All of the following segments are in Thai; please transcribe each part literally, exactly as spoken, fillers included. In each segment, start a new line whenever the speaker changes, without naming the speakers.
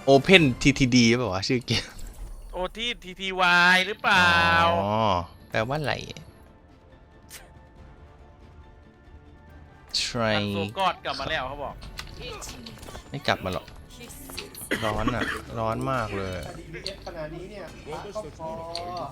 Open ที ที ดี ป่าววะชื่อเกม
โอที่ ที ที วาย หรือเปล่า
อ๋อแปลว่าอะไร try
โซกอดกลับมาแล้วเขาบอก
ไม่กลับมาหรอกร้อนอ่ะร้อนมากเลย
ขนาดนี้เนี่ยก็พอ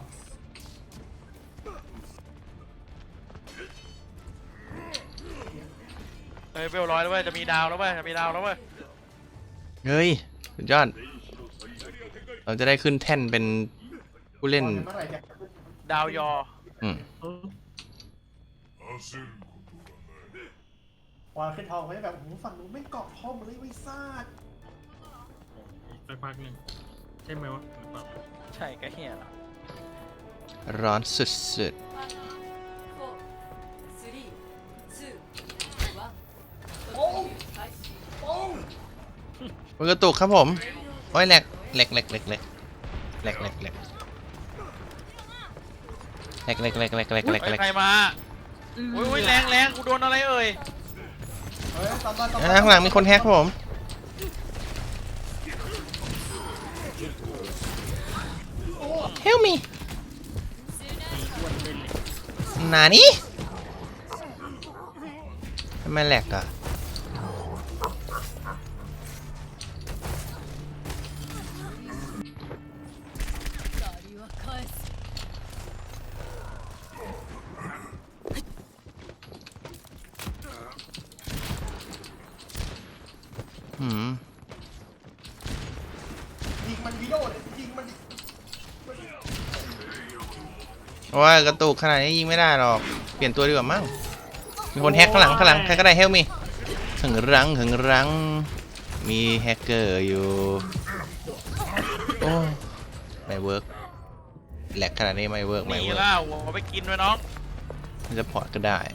เฮ้ยเวลร้อยแล้วเว้ยจะมีดาวแล้วเว้ยจะมีดาวแล้วเว้ย
เฮ้ยสุดยอดเราจะได้ขึ้นแท่นเป็นผู้เล่น
ดาวยอ
อืม
วางขึ้นทองไว้แบบโอ้โหฝั่งนู้นไม่เกาะทองเลยไม่ซาด
สักพักหนึ่งใช่ไหมวะหรือเปล่า
ใช่ก็เฮียละ
ร้อนสุดๆมันกระตุกครับผมโอ้ยแหลกแหลกแหลกแหลกแหลกแหลกแหลกแหลกแหลกแหลกแหลกแหลกแหลกแหลกแหลก
ใครมาอุ้ยแรงแรงกูโดนอะไรเอ่ย
ข้างหลังมีคนแฮกครับผมHelp me นานี่ทำไมแหลกอ่ะหืม
ยิงมันวิโดเลยยิงมัน
ว่ากระตุกขนาดนี้ยิงไม่ได้หรอกเปลี่ยนตัวดีกว่ามั้งมีคนแฮกข้างหลังข้างหลังใครก็ได้เฮลมีหึงรั้งหึงรั้งมีแฮกเกอร์อยู่โอ้ไม่เวิร์กแหลกขนาดนี้ไม่เวิร์กไม่เวิร์ก
นี่ล่ะหัวไปกินไว้น้อง
มันจะพอร์ตก็ได้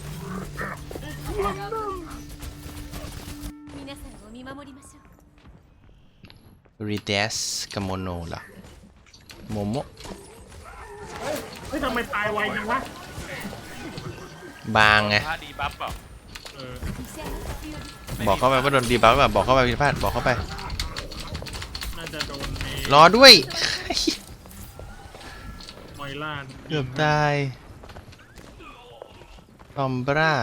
รีเดสกับโมโนล่ะโมโม
เฮ้ยทำไมตายไวจังวะ
บางไง
ดีบัฟเปล่า
บอกเข้าไปว่าโดนดีบัฟแบบบอกเข้าไปพิพาทบอกเข้าไป
น่าจะโดน
รอด้วย
มอยล่า
เกือบตายซอมบรา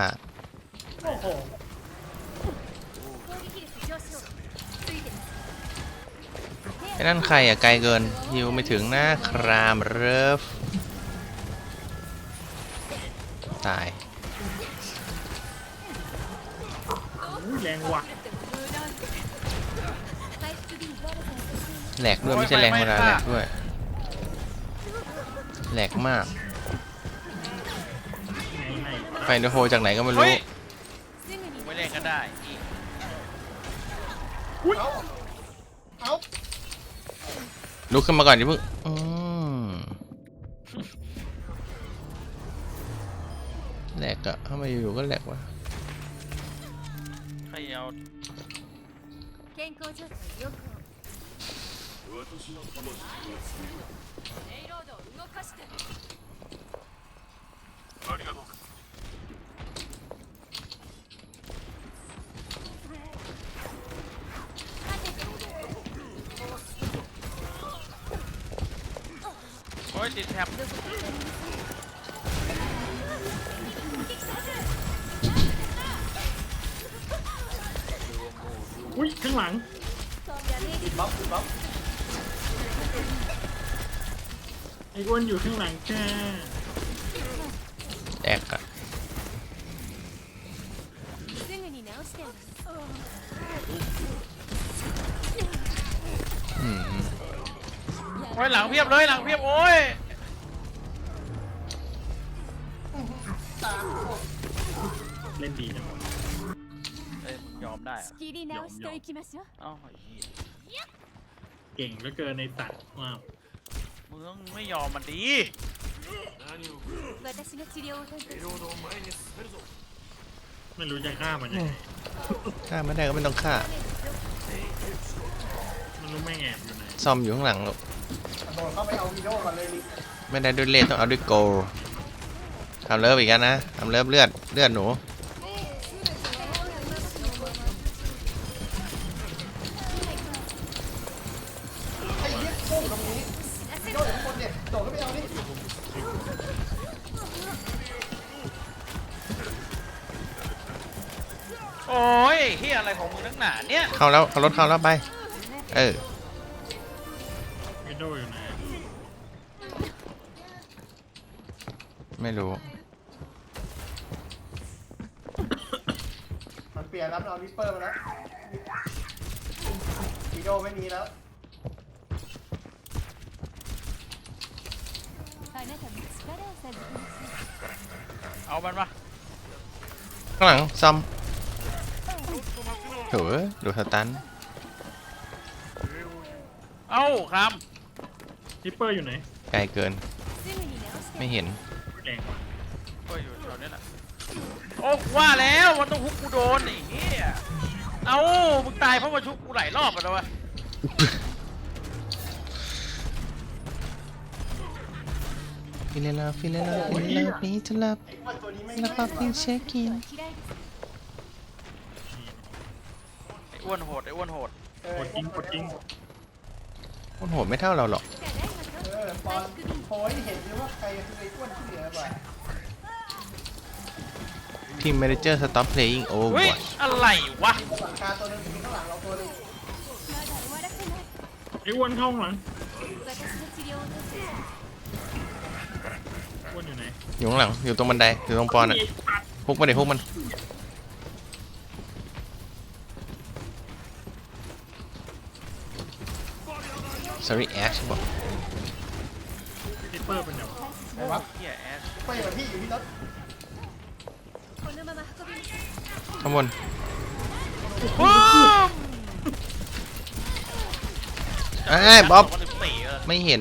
ไอ้นั่นใครอ่ะไกลเกินยิวไม่ถึงนะครามเริฟตาย
แรงว่ะ
แหลกด้วยไม่ใช่แรงธรรมดาแหลกด้วยแหลกมากไฟโดโฮจากไหนก็ไม่รู้
ไม่เล่นก็ได้
ลุกขึ้นมาก่อนดิเพิ่งแหลกอะทำไมอยู่ก็แหลกวะ
ใครเอาโอ้ยติดแท็บ
อุ้ยข้างหลัง
บ๊อบบ๊อบ
ไอ้อ้วนอยู่ข้างหลังแค่
แตกอะ
โอ้ยหลังเพียบเลยหลังเพียบโอ้ย
เล่นดีจัง
เอ้ยยอมได้อะ
ยอมยอม
เอ้า
เก่งเหลือเกินในสัตว์ว้าว
มึงต้องไม่ยอมมันดี
ไม่รู้จะฆ่ามันยังไง
ฆ่าไม่ได้ก็ไม่ต้องฆ่า
มันรู้ไม่แอบอยู่ไหน
ซ่อมอยู่ข้างหลังลูก
โดนเข้าไปเอาวิโดก่อนเลย
ไม่ได้ด้วยเลือดต้องเอาด้วยโกลทำเลิฟอีกแล้วนะทำเลิฟเลือดเลือดหนู
โอ้ยเฮียอะไรของมึงนักหนาเนี่ย
เข้าแล้วเข้ารถเข้าแล้วไปเออ
วิโดอยู่ไหน
ไม่รู้
มันเปลี่ยนแล้วมันเอาริปเปอร์มาแล้ววีโดไม่มีแล้ว
あなたも力を授けます
เอามันมา
ข้างหลังซอมโถ่ดูสตัน
เอ้าค
ทิปเปอร์อยู่ไหน
ไกลเกิน
すぐに直して
ไม่เห็น
แรงกว่า
ำก็อยู่แถวนี้แหละโอ้ว่าแล้วมันต้องฮุกกูโดนไอ้เหี้ยเอ้ามึงตายเพราะมาชุบกูหลายรอบแล้ววะ
ฟิเลลาฟิเลลาฟิเลลาฟิเลลา
ไอ้อ้วนตัวนี้ไม่
แล้วก็ฟินเช็คกิน
嫌いです
ไอ้อ้วนโหดไอ้อ้วนโหด
เออก
ดจริงกดจริง
คนโหดไม่เท่าเราหรอก
เออปอนโอยเห็นเลยว่าใครคือไอ้อ้วนที่เหลือกว่า
ทีม manager stop playing โอ้
เฮ้ย
บอย
อะไรวะ
หลังคาตัวนึงมีข้างหลังเราตัวนึง
まだ終わらせない
ไอ้อ้วนเข้าข้างหลัง
私の治療を助け
อ้วนอยู่ไหน
อยู่ข้างหลังอยู่ตรงบันไดอยู่ตรงปอนอ่ะฮุกมาเดี๋ยวฮุกมัน sorry Ash บอก
ทิปเปอร์เป็นไงวะ
ไหนวะ
เหี้ยแอส
ไปอยู่กับพี่อยู่ที่รถ
このまま運びます
ข้างบน
ปุ้ม
ไอ้ยบ๊อบ
สงพันสิสี่เออ
ไม่เห็น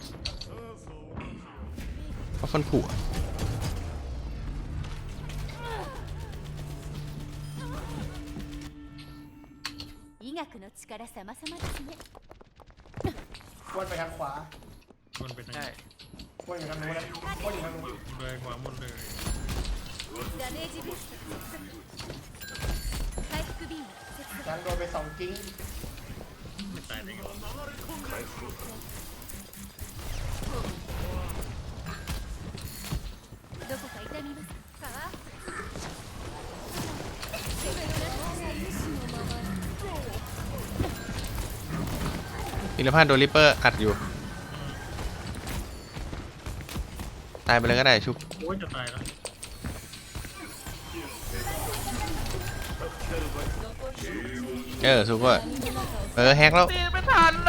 เพราะฟันผุอะ
医学の力様々ですね
อ้วนไปทางขวา
อ้วนไปทาง
ใช่
อ้วนอยู่ทางนู้นนะอ้วนอยู่ทางนู้น
เลยขวาหมดเลย
ダメージブースト回復ビーム接続
ยังโดนไปสองกิ้ง
ไม่ตายได้ไงวะ
どこか痛みますか手のような意志のまま
พิรพาดโดนริปเปอร์อัดอยู่ ตายไปเลยก็ได้ชุบ
โอ้ยจะตายแล้ว
เออชุบก็เออแฮกแล้ว
ตีไม่ทันนะ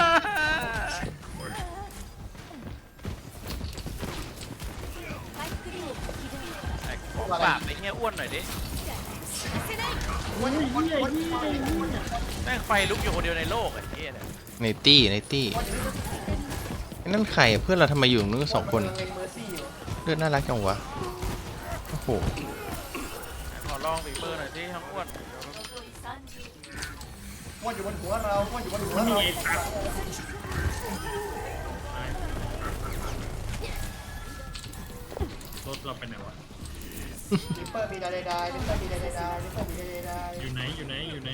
回復ビーム起動
ไอ้ของบาปไอ้เหี้ยอ้วนหน่อยดิ
อ้วนอ้วนอ้วนอ้วน
แม่งไฟลุกอยู่คนเดียวในโลกไอ้เหี้ยเนี่ย
ในตี้ในตี้ไอ้นั่นใครอะเพื่อนเราทำไมอยู่ตรงนู้นสองคน
เล็งเมอร์ซี่อยู่
เลือดน่ารักจังวะโอ้โห
ขอลองบีเบอร์หน่อยสิทั้งอ้วน
อ้วนอยู่บนหัวเราอ้วนอยู่บนหัว
นี่
เรา
ไอ้ตัดตายรถเราไปไหนวะ
ลิปเปอร์มีดาเดดายลิปเปอร์มีดาเดดายลิปเปอร์มีดาเดดาย
อยู่ไหนอยู่ไหนอยู่ไหน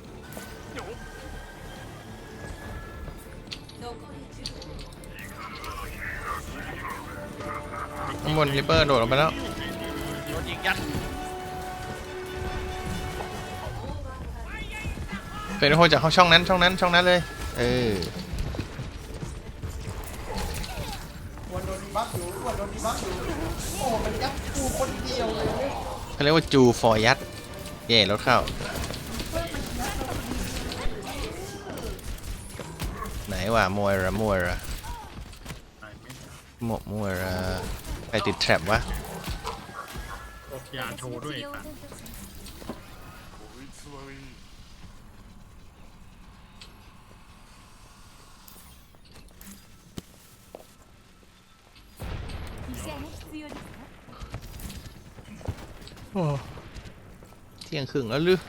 ข้างบนริปเปอร์โดดลงไปแล้ว
โดนยิงยัด
เป็นโฮจากเขาช่องนั้นช่องนั้นช่องนั้นเลย เออ
อ้วนโดนดีบัฟอยู่อ้วนโดนดีบัฟอยู่โอ้มันยัดกูคนเดียวเลย
เขาเรียกว่าจูฟอร์ยัดเย่รถเข้า ไหนวะมวยระมวยระ
ตายไหม
หมกมวยระใครติดแทร็บวะ
ออกยาโชว์ด้วย
治
ไอ้
療を
ตัด
担当します医者が必要ですか
โอ้เที่ยงครึ่งแล้วหรือ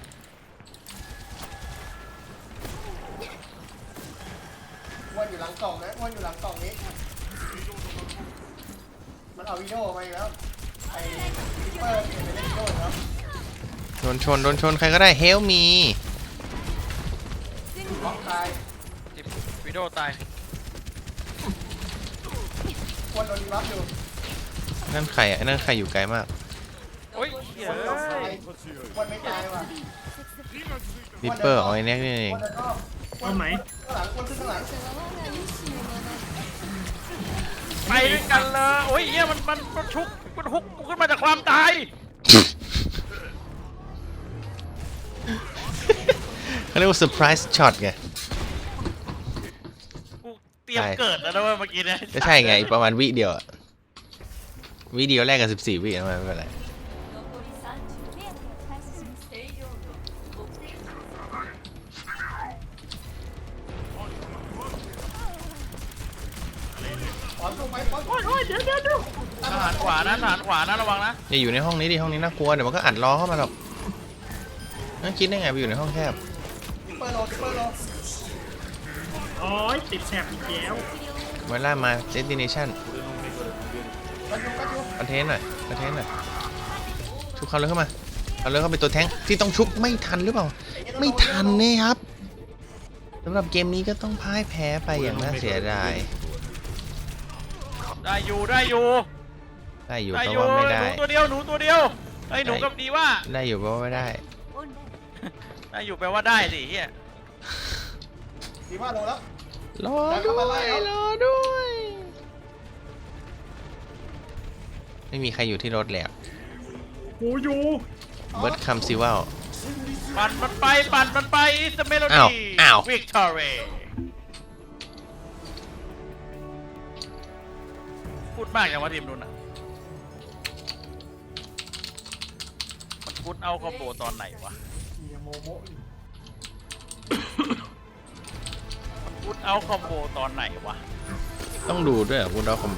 อ้วนอยู่หลังกล่องนะอ้วนอยู่หลังกล่องนี้มันเอาวิดีโอมาอีกแล้วไอ้ลิปเปอร์เปลี่ยนไปเล่นวิดีโอแล้ว
โดนชนโดนชนใครก็ได้เฮลมี
ล็อกตาย
ติดวิดีโอตาย
อ้วนโดนดีบัฟอยู่
นั่นใครอ่ะนั่นใครอยู่ไกลมาก
โอ้ยเหี้ย
อ้วนไม่ตายว่ะ
ริปเปอร์ของไอ้แน็กนี่เอง
อ้วนจะชอบ
เอาไหม
ข้างหลังอ้วนขึ้นข้างหลัง
ไปด้วยกันเลยโอ้ยเหี้ยมันมันมันชุกมันฮุกกูขึ้นมาจากความตาย
เขาเรียกว่าเซอร์ไพรส์ช็อตไง
กูเตรียมเกิดแล้วนะเว้ยเมื่อกี้เนี่ย
ก็ใช่ไงอีกประมาณวิเดียวอะวิเดียวแรกกับสิบสี่วินะไม่เป็นไร
ขอสู้ไหมขอโอ้ยโอ้ยเดี๋ยวเดี๋ยวเดี๋ยว
ทหารขวานะทหารขวานะระวังนะ
อย่าอยู่ในห้องนี้ดิห้องนี้น่ากลัวเดี๋ยวมันก็อัดล้อเข้ามาหรอกนั่นคิดได้ไงไปอยู่ในห้องแคบ
เปิดโลเปิดโล
อ๋อติดแถบอีกแล้ว
เวลามาเดสติเนชั่น
กันอยู่กันอยู่
คอนเทนต์หน่อยคอนเทนต์หน่อยชุบเขาเลยเข้ามาเขาเลยเข้าไปตัวแท้งที่ต้องชุบไม่ทันหรือเปล่าไม่ทันนี่ครับสำหรับเกมนี้ก็ต้องพ่ายแพ้ไปอย่างน่าเสียดาย
ได้อยู่ได้อยู่
ได้อยู่
ได้
เพ
อ
ราะ
ยู่
ว่าไม่
ห
ได้
นูตัวเดียวหนูตัวเดียวไอ้ยหนูกับดีว่า
ได้อยู่เพราะว่าไม่ได้
ได้อยู่แปลว่าได้สิเฮีย
สี่ห้าโลแล้ว
รอด้วยรอด้วยไม่มีใครอยู่ที่รถแล้ว
กูอยู่
เบิร์ดคัมซิวัล
ปั่นมันไปปั่นมันไปสเมโล
อ้าว
ดี้
อ้าว
วิกตอเรียพูดมากอย่างว่าทีมนู้นอ่ะมันพูดเอาคอมโบตอนไหนวะ
เฮียโมโมอยู่
มันพูดเอาคอมโบตอนไหนวะ
ต้องดูด้วยเหรอคุณดาวคอมโบ